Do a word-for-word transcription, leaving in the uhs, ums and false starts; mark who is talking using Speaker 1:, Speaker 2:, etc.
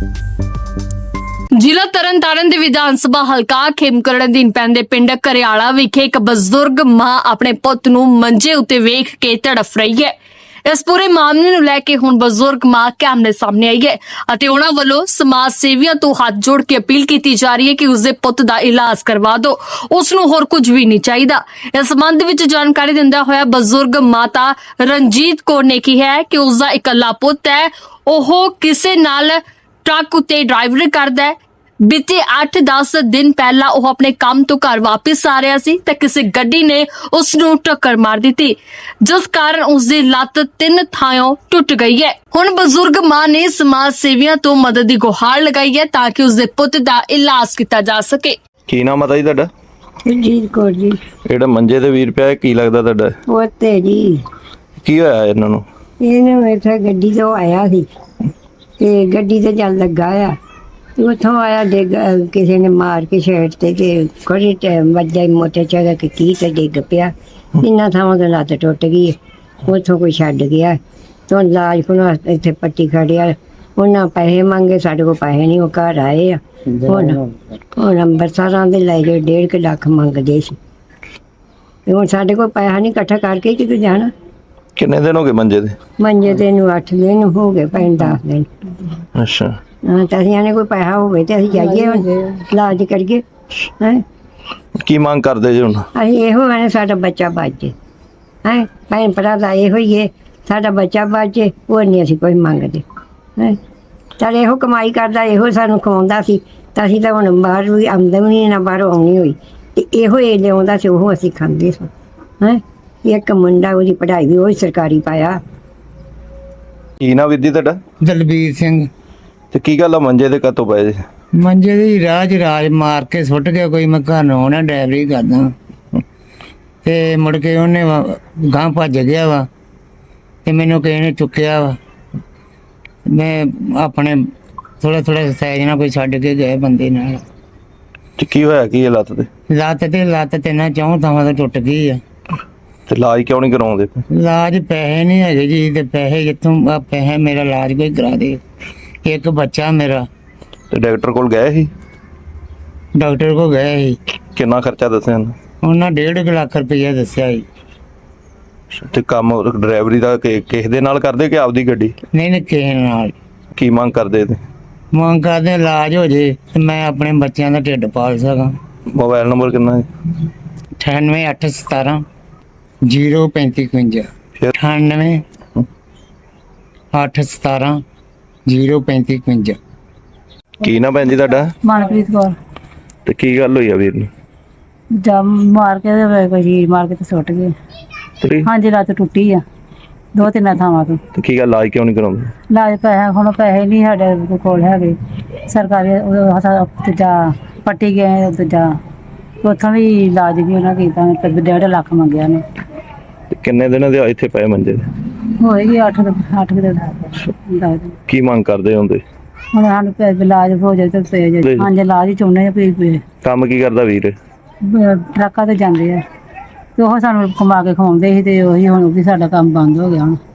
Speaker 1: ਜ਼ਿਲ੍ਹਾ ਤਰਨਤਾਰਨ ਦੇ ਵਿਧਾਨ ਸਭਾ ਹਲਕਾ ਖੇਮਕਰਨ ਅਧੀਨ ਪੈਂਦੇ ਪਿੰਡ ਘਰਿਆਲਾ ਵਿਖੇ ਇੱਕ ਬਜ਼ੁਰਗ ਮਾਂ ਆਪਣੇ ਪੁੱਤ ਨੂੰ ਮੰਜੇ ਉੱਤੇ ਵੇਖ ਕੇ ਤੜਫ ਰਹੀ ਹੈ। ਇਸ ਪੂਰੇ ਮਾਮਲੇ ਨੂੰ ਲੈ ਕੇ ਹੁਣ ਬਜ਼ੁਰਗ ਮਾਂ ਕੈਮਰੇ ਸਾਹਮਣੇ ਆਈ ਹੈ ਅਤੇ ਉਹਨਾਂ ਵੱਲੋਂ ਸਮਾਜ ਸੇਵੀਆਂ ਤੋਂ ਹੱਥ ਜੋੜ ਕੇ ਅਪੀਲ ਕੀਤੀ ਜਾ ਰਹੀ ਹੈ ਕਿ ਉਸਦੇ ਪੁੱਤ ਦਾ ਇਲਾਜ ਕਰਵਾ ਦਿਓ, ਉਸ ਨੂੰ ਹੋਰ ਕੁਝ ਵੀ ਨਹੀਂ ਚਾਹੀਦਾ। ਇਸ ਸੰਬੰਧ ਵਿੱਚ ਜਾਣਕਾਰੀ ਦਿੰਦਾ ਹੋਇਆ ਬਜ਼ੁਰਗ ਮਾਤਾ ਰਣਜੀਤ ਕੌਰ ਨੇ ਕਿਹਾ ਕਿ ਉਸਦਾ ਇਕੱਲਾ ਪੁੱਤ ਹੈ, ਉਹ ਕਿਸੇ ਨਾਲ ਟਰੱਕ ਉੱਤੇ ਡਰਾਈਵਰੀ ਕਰਦਾ ਹੈ। ਬੀਤੇ ਅੱਠ ਦਸ ਦਿਨ ਪਹਿਲਾਂ ਉਹ ਆਪਣੇ ਕੰਮ ਤੋਂ ਘਰ ਵਾਪਸ ਆ ਰਿਹਾ ਸੀ ਤਾਂ ਕਿਸੇ ਗੱਡੀ ਨੇ ਉਸ ਨੂੰ ਟੱਕਰ ਮਾਰ ਦਿੱਤੀ, ਜਿਸ ਕਾਰਨ ਉਸ ਦੀ ਲੱਤ ਤਿੰਨ ਥਾਂੋਂ ਟੁੱਟ ਗਈ ਹੈ। ਹੁਣ ਬਜ਼ੁਰਗ ਮਾਂ ਨੇ ਸਮਾਜ ਸੇਵੀਆਂ ਤੋਂ ਮਦਦ ਦੀ ਗੁਹਾਰ ਲਗਾਈ ਹੈ ਤਾਂ ਕਿ ਉਸ ਦੇ ਪੁੱਤ ਦਾ ਇਲਾਜ ਕੀਤਾ ਜਾ ਸਕੇ।
Speaker 2: ਕੀ ਨਾਮ ਆ ਜੀ ਤੁਹਾਡਾ?
Speaker 3: ਰਣਜੀਤ ਕੌਰ ਜੀ।
Speaker 2: ਜਿਹੜਾ ਮੰਜੇ ਤੇ ਵੀਰ ਪਿਆ ਕੀ ਲੱਗਦਾ ਤੁਹਾਡਾ?
Speaker 3: ਉਹ ਤੇ ਜੀ
Speaker 2: ਕੀ ਹੋਇਆ ਇਹਨਾਂ ਨੂੰ?
Speaker 3: ਇਹਨੂੰ ਇੱਥੇ ਗੱਡੀ ਤੋਂ ਆਇਆ ਸੀ ਤੇ ਗੱਡੀ ਤੇ ਚੱਲ ਲੱਗਾ ਆ ਤੇ ਉੱਥੋਂ ਆਇਆ ਡਿੱਗ ਕਿਸੇ ਨੇ ਮਾਰ ਕੇ ਛੇੜ ਤੇ ਤੇ ਕੋਈ ਟਾਈਮ ਵੱਜਾ ਮੋਟੇ ਚਾਗਾ ਕਿ ਕੀ ਤੇ ਡਿੱਗ ਪਿਆ। ਇੰਨਾ ਥਾਵਾਂ ਤੋਂ ਲੱਤ ਟੁੱਟ ਗਈ, ਉੱਥੋਂ ਕੋਈ ਛੱਡ ਗਿਆ ਤੋਂ ਇਲਾਜ ਕੋਲ ਇੱਥੇ ਪੱਟੀ ਖੜਿਆ। ਉਹਨਾਂ ਪੈਸੇ ਮੰਗੇ, ਸਾਡੇ ਕੋਲ ਪੈਸੇ ਨਹੀਂ, ਉਹ ਘਰ ਆਏ ਆ। ਹੁਣ ਹੁਣ ਅੰਬਰਸਰਾਂ ਦੇ ਲੈ ਜਾਓ, ਡੇਢ ਕੁ ਲੱਖ ਮੰਗਦੇ ਸੀ ਤੇ ਹੁਣ ਸਾਡੇ ਕੋਲ ਪੈਸਾ ਨਹੀਂ ਇਕੱਠਾ ਕਰਕੇ ਕਿਤੇ ਜਾਣਾ।
Speaker 2: ਕਿੰਨੇ ਦਿਨ ਹੋ ਗਏ ਮੰਜੇ ਤੇ?
Speaker 3: ਮੰਜੇ ਤੇ ਨੂੰ ਅੱਠ ਦਿਨ ਹੋ ਗਏ, ਪੈਣ ਦਸ ਦਿਨ।
Speaker 2: ਅੱਛਾ।
Speaker 3: ਹਾਂ ਤਾਂ ਅਸੀਂ ਆਨੇ ਕੋਈ ਪੈਸਾ ਹੋਵੇ ਤੇ ਅਸੀਂ ਜਾਈਏ ਹੁਣ ਇਲਾਜ ਕਰੀਏ। ਹੈਂ
Speaker 2: ਕੀ ਮੰਗ ਕਰਦੇ ਜੀ ਹੁਣ?
Speaker 3: ਅਸੀਂ ਇਹੋ ਆਨੇ ਸਾਡਾ ਬੱਚਾ ਬਚ ਜੇ। ਹੈਂ ਭੈਣ ਭਰਾ ਦਾ ਇਹੋ ਹੀ ਹੈ, ਸਾਡਾ ਬੱਚਾ ਬਚ ਜੇ, ਹੋਰ ਨਹੀਂ ਅਸੀਂ ਕੋਈ ਮੰਗਦੇ। ਹੈਂ ਚੱਲ ਇਹੋ ਕਮਾਈ ਕਰਦਾ, ਇਹੋ ਸਾਨੂੰ ਖਵਾਉਂਦਾ ਸੀ ਤਾਂ ਅਸੀਂ ਤਾਂ ਹੁਣ ਬਾਹਰ ਵੀ ਆਮਦਨੀ ਨਾ ਬਾਹਰੋਂ ਆਉਣੀ ਹੋਈ ਤੇ ਇਹੋ ਇਹ ਲਿਆਉਂਦਾ ਸੀ, ਉਹ ਅਸੀਂ ਖਾਂਦੇ ਸਾਂ। ਹੈਂ ਇੱਕ ਮੁੰਡਾ, ਉਹਦੀ ਪੜ੍ਹਾਈ ਵੀ ਉਹ ਸਰਕਾਰੀ ਪਾਇਆ।
Speaker 2: ਕੀ ਨਾ ਵੀਰ ਜੀ ਤੁਹਾਡਾ?
Speaker 4: ਦਲਬੀਰ ਸਿੰਘ।
Speaker 2: ਤੇ ਕੀ ਗੱਲ ਆ ਮੰਜੇ ਤੇ ਕਦੋਂ ਪਏ ਜੀ?
Speaker 4: ਮੰਜੇ ਦੀ ਰਾਜ ਰਾਜ ਮਾਰ ਕੇ ਸੁੱਟ ਗਿਆ ਕੋਈ। ਮੈਂ ਘਰ ਨੂੰ ਆਉਣਾ, ਡਰਾਈਵਰੀ ਕਰਦਾ ਤੇ ਮੁੜ ਕੇ ਉਹਨੇ ਗਾਂ ਭੱਜ ਗਿਆ ਵਾ ਤੇ ਮੈਨੂੰ ਕਿਸੇ ਨੇ ਚੁੱਕਿਆ ਵਾ। ਮੈਂ ਆਪਣੇ ਥੋੜਾ ਥੋੜਾ ਸਾਈਜ਼ ਨਾਲ ਕੋਈ ਛੱਡ ਕੇ ਗਏ ਬੰਦੇ ਨਾਲ।
Speaker 2: ਤੇ ਕੀ ਹੋਇਆ ਕੀ ਇਹ ਲੱਤ ਤੇ?
Speaker 4: ਲੱਤ ਤੇ ਲੱਤ ਤੇ ਨਾ ਚੌਂ ਥਾਵਾਂ ਤੋਂ ਟੁੱਟ ਗਈ ਆ।
Speaker 2: ਤੇ ਇਲਾਜ ਕਿਉਂ ਨਹੀਂ ਕਰਾਉਂਦੇ?
Speaker 4: ਇਲਾਜ ਪੈਸੇ ਨਹੀਂ ਹੈਗੇ ਜੀ, ਤੇ ਪੈਸੇ ਜਿੱਥੋਂ ਆ ਪੈਸੇ ਮੇਰਾ ਇਲਾਜ ਕੋਈ ਕਰਾ ਦੇ। ਇੱਕ ਬੱਚਾ ਮੇਰਾ।
Speaker 2: ਤੇ ਡਾਕਟਰ ਕੋਲ ਗਏ ਸੀ?
Speaker 4: ਡਾਕਟਰ ਕੋਲ ਗਏ ਸੀ।
Speaker 2: ਕਿੰਨਾ ਖਰਚਾ ਦੱਸਿਆ ਉਹਨੇ?
Speaker 4: ਉਹਨਾਂ ਡੇਢ ਕੁ ਲੱਖ ਰੁਪਈਆ ਦੱਸਿਆ ਸੀ।
Speaker 2: ਤੇ ਕੰਮ ਡਰਾਈਵਰੀ ਦਾ ਕਿ- ਕਿਸੇ ਦੇ ਨਾਲ ਕਰਦੇ ਕਿ ਆਪਦੀ ਗੱਡੀ?
Speaker 4: ਨਹੀਂ ਨਹੀਂ ਕਿਸੇ ਨਾਲ।
Speaker 2: ਕੀ ਮੰਗ ਕਰਦੇ ਤੇ?
Speaker 4: ਮੰਗ ਕਰਦੇ ਇਲਾਜ ਹੋ ਜੇ ਤੇ ਮੈਂ ਆਪਣੇ ਬੱਚਿਆਂ ਦਾ ਢਿੱਡ ਪਾਲ ਸਕਾਂ।
Speaker 2: ਮੋਬਾਈਲ ਨੰਬਰ ਕਿੰਨਾ ਹੈ?
Speaker 4: ਅਠਾਨਵੇਂ ਅੱਠ ਸਤਾਰਾਂ ਜ਼ੀਰੋ ਪੈਂਤੀ ਇਕਵੰਜਾ।
Speaker 2: ਫਿਰ?
Speaker 4: ਅਠਾਨਵੇਂ ਅੱਠ ਸਤਾਰਾਂ ਜ਼ੀਰੋ ਪੈਂਤੀ ਇਕਵੰਜਾ।
Speaker 2: ਕੀ ਨਾ ਭੈਣ ਜੀ ਤੁਹਾਡਾ?
Speaker 5: ਮਨਪ੍ਰੀਤ ਕੌਰ।
Speaker 2: ਤੇ ਕੀ ਗੱਲ ਹੋਈ ਆ ਵੀਰ ਨੂੰ?
Speaker 5: ਜਮ ਮਾਰ ਕੇ ਤੇ ਕੋਈ ਚੀਜ਼ ਮਾਰ ਕੇ ਤੇ ਸੁੱਟ ਗਏ।
Speaker 2: ਤੇ
Speaker 5: ਹਾਂਜੀ ਲੱਤ ਟੁੱਟੀ ਆ ਦੋ ਤਿੰਨ ਥਾਵਾਂ ਤੋਂ।
Speaker 2: ਤੇ ਕੀ ਗੱਲ ਇਲਾਜ ਕਿਉਂ ਨਹੀਂ ਕਰਾਉਂਦੇ?
Speaker 5: ਇਲਾਜ ਪੈਸਾ ਹੁਣ ਪੈਸੇ ਨਹੀਂ ਸਾਡੇ ਕੋਲ ਹੈਗੇ। ਸਰਕਾਰੀ ਉਹ ਹਸਾ ਦੂਜਾ ਪੱਟੀ ਗਏ, ਦੂਜਾ ਉੱਥੋਂ ਵੀ ਇਲਾਜ ਵੀ ਉਹਨਾਂ ਕੀਤਾ ਤੇ ਡੇਢ ਲੱਖ ਮੰਗਿਆ ਨੇ।
Speaker 2: ਤੇ ਕਿੰਨੇ ਦਿਨਾਂ ਦੇ ਇੱਥੇ ਪਏ ਮੰਜੇ ਤੇ?
Speaker 5: ਹੋਏਗੀ ਅੱਠ ਅੱਠ ਕੁ ਦਿਨ ਦਸ ਦਿਨ।
Speaker 2: ਕੀ ਮੰਗ ਕਰਦੇ ਹੁੰਦੇ?
Speaker 5: ਹੁਣ ਸਾਨੂੰ ਪੈ- ਇਲਾਜ ਹੋ ਜਾਏ ਤੇ ਪੈ ਜਾਏ। ਹਾਂਜੀ ਇਲਾਜ ਹੀ ਚਾਹੁੰਦੇ ਆ ਵੀ ਵੀ
Speaker 2: ਕੰਮ ਕੀ ਕਰਦਾ ਵੀਰ?
Speaker 5: ਬ- ਟਰੱਕਾਂ ਤੇ ਜਾਂਦੇ ਆ ਤੇ ਉਹ ਸਾਨੂੰ ਕਮਾ ਕੇ ਖਵਾਉਂਦੇ ਸੀ ਤੇ ਉਹੀ ਹੁਣ ਵੀ ਸਾਡਾ ਕੰਮ ਬੰਦ ਹੋ ਗਿਆ ਹੁਣ।